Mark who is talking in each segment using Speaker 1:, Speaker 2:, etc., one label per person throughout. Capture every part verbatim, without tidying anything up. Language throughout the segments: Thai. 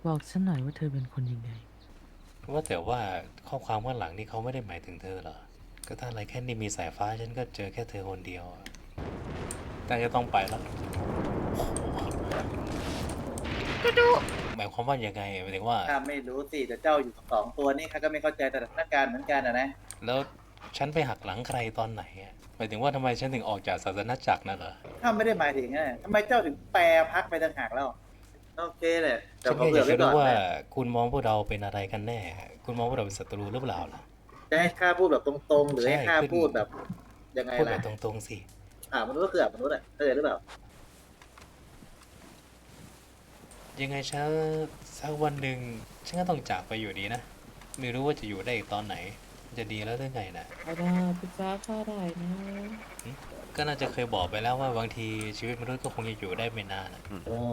Speaker 1: บอกฉันหน่อยว่าเธอเป็นคนยังไง
Speaker 2: ว่าแต่ว่าข้อความข้างหลังนี่เขาไม่ได้หมายถึงเธอเหรอก็ถ้าอะไรแค่นี้มีสายฟ้าฉันก็เจอแค่เธอคนเดียวแต่จะต้องไปแล้วหมายความว่ายังไงหมายถึงว่า
Speaker 3: ข้าไม่รู้สิแต่เจ้าอยู่กับสองตัวนี่ข้าก็ไม่เข้าใจสถานการณ์เหมือนกันนะนะ
Speaker 2: แล้วฉันไปหักหลังใครตอนไหนอะหมายถึงว่าทำไมฉันถึงออกจากศาสนจักรนั่นเหรอ
Speaker 3: ข้าไม่ได้หมายถึงนะทำไมเจ้าถึงแปรพักไปต่างหากแล้วโอเคเลยแต่
Speaker 2: ฉัน
Speaker 3: ขอเผื่อไว้
Speaker 2: แค่อยากจะรู้ว่า
Speaker 3: ก่อนนะ
Speaker 2: คุณมองพวกเราเป็นอะไรกันแน่คุณมองพวกเราเป็นศัตรูหรือเปล่าล่ะ
Speaker 3: จะให้ข้าพูดแบบตรงๆหรือ
Speaker 2: ใช่
Speaker 3: ให้ข้า
Speaker 2: ขึ้น
Speaker 3: พูดแบบยังไงล่ะ
Speaker 2: พูดแบบตรงๆสิ
Speaker 3: อ่ามนุษย์ก็คืออ่ามนุษย์อ่ะเข้าใจหรือเปล่า
Speaker 2: ยังไงฉันสักวันหนึ่งฉันก็ต้องจากไปอยู่ดีนะไม่รู้ว่าจะอยู่ได้อีกตอนไหนจะดีแล้วหรือไงนะ
Speaker 1: อาดาปรึกษาข้าได้นะ
Speaker 2: ก็น่าจะเคยบอกไปแล้วว่าบางทีชีวิตมนุษย์ก็คงจะอยู่ได้ไม่นานอะ
Speaker 1: โอ้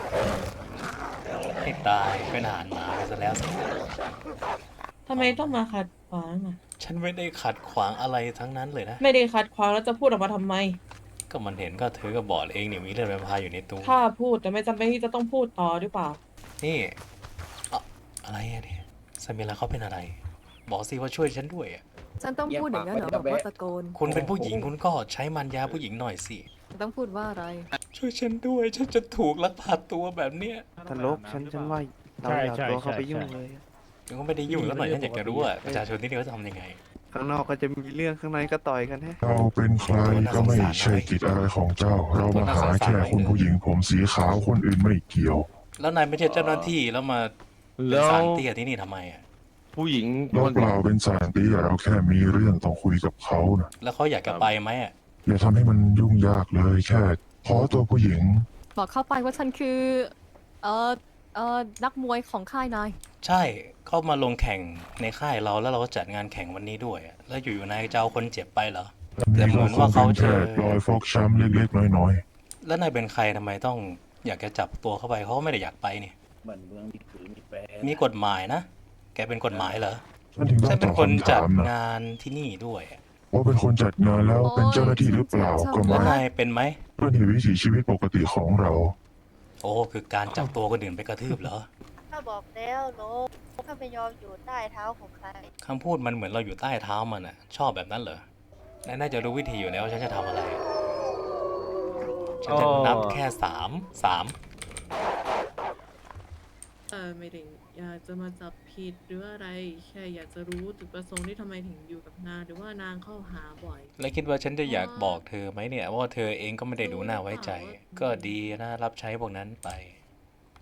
Speaker 2: ให้ตายเป็นอาหารหมาไปซะแล้วสิ
Speaker 1: ทำไมต้องมาขัดขวางอ่ะ
Speaker 2: ฉันไม่ได้ขัดขวางอะไรทั้งนั้นเลยนะ
Speaker 1: ไม่ได้ขัดขวางแล้วจะพูดออกมาทำไม
Speaker 2: ก็มันเห็นก็เธอก็บอกเองเนี่ยมีเลือดแวมไพร์อยู่ในตัว
Speaker 1: ข้าพูดแต่ไม่จำเป็นที่จะต้องพูดต่อหรือเปล่า
Speaker 2: นี่อะอะไรอะเนี่ยซามิระเขาเป็นอะไรบอกสิว่าช่วยฉันด้วยอะ
Speaker 4: ฉันต้องพูดอย่างนั้นเหรอบอกว่าตะโกน
Speaker 2: คุณเป็นผู้หญิงคุณก็ใช้มันยาผู้หญิงหน่อยสิ
Speaker 4: ต้องพูดว่าอะไร
Speaker 2: ช่วยฉันด้วยฉันจะถูกลักพาตัวแบบเนี้ย
Speaker 5: ตลกฉันฉันว่าเราอย่าตัวเข้าไปยุ่งเลย
Speaker 2: ฉันก็ไม่ได้ยุ่งแล้วหน่อยฉันอยากจะรู้ว่าประชาชนที่นี่เขาจะทำยังไง
Speaker 5: ข้างนอกก็จะมีเรื่องข้างในก็ต่อยกันแฮะ
Speaker 6: เราเป็นใครก็ไม่ใช่กิจอะไรของเจ้า เรามาหาแค่คุณผู้หญิงผมสีขาวคนอื่นไม่เกี่ยว
Speaker 2: แล้วนายไม่ใช่เจ้าหน้าที่แล้วมาเป็น
Speaker 7: แล้ว
Speaker 2: สารเตี้ยที่นี่ทำไมอ่ะ
Speaker 7: ผู้หญิง
Speaker 6: เราเปล่าเป็นสารตีเราแค่มีเรื่องต้องคุยกับเขานะ
Speaker 2: แล้วเขาอยากจะไปไหมอ่ะ
Speaker 6: อย่าทำให้มันยุ่งยากเลยแค่ขอตัวผู้หญิง
Speaker 4: บอกเข้าไปว่าฉันคือเอ่อเอ่อนักมวยของค่ายนาย
Speaker 2: ใช่เขามาลงแข่งในค่ายเราแล้วเราก็จัดงานแข่งวันนี้ด้วยอะแล้วอยู่ๆนายจะเอาคนเจ็บไปเหรอแต่เหมือนว่าเขาจะ
Speaker 6: แค่รอยฟกช้ำเล็กๆน้อย
Speaker 2: แล้วนายเป็นใครทำไมต้องอยากจะจับตัวเข้าไปเขาก็ไม่ได้อยากไปนี่
Speaker 3: เหมือนเมืองมีผือมีแปร
Speaker 2: มีกฎหมายนะแกเป็นกฎหมายเหรอ
Speaker 6: ๆฉันถึงต้อ
Speaker 2: ฉั
Speaker 6: ง
Speaker 2: นเป็
Speaker 6: ต
Speaker 2: น
Speaker 6: อบ
Speaker 2: คน
Speaker 6: คำ
Speaker 2: จั
Speaker 6: ถา
Speaker 2: ด
Speaker 6: มนะ
Speaker 2: งานที่นี่ด้วยอะ
Speaker 6: ว่าเป็นคนจัดงานแล้วเป็นเจ้าหน้าที่หรือเปล่าก็
Speaker 2: แล้ว
Speaker 6: ไม่
Speaker 2: นายเป็นไหม
Speaker 6: เป็นวิถีชีวิตปกติของเรา
Speaker 2: โอ้คือการจับตัวคนอื่นไปกระทืบเหรอ
Speaker 8: ข้าบอกแล้วโลกข้าไม่ยอมอยู่ใต้เท้าของใคร
Speaker 2: คำพูดมันเหมือนเราอยู่ใต้เท้ามันอ่ะ ชอบแบบนั้นเหรอนายน่าจะรู้วิธีอยู่แล้วว่าฉันจะทำอะไร ฉันจะนับแค่สามสาม
Speaker 1: เออไม่ได้อยากจะมาจับผิดหรืออะไรแค่อยากจะรู้จุดประสงค์ที่ทำไมถึงอยู่กับนางหรือว่านางเข้าหาบ่อย
Speaker 2: แล้วคิดว่าฉันจะอยากบอกเธอไหมเนี่ยว่าเธอเองก็ไม่ได้ดูน่าไว้ใจ ก็ดีนะรับใช้พวกนั้นไป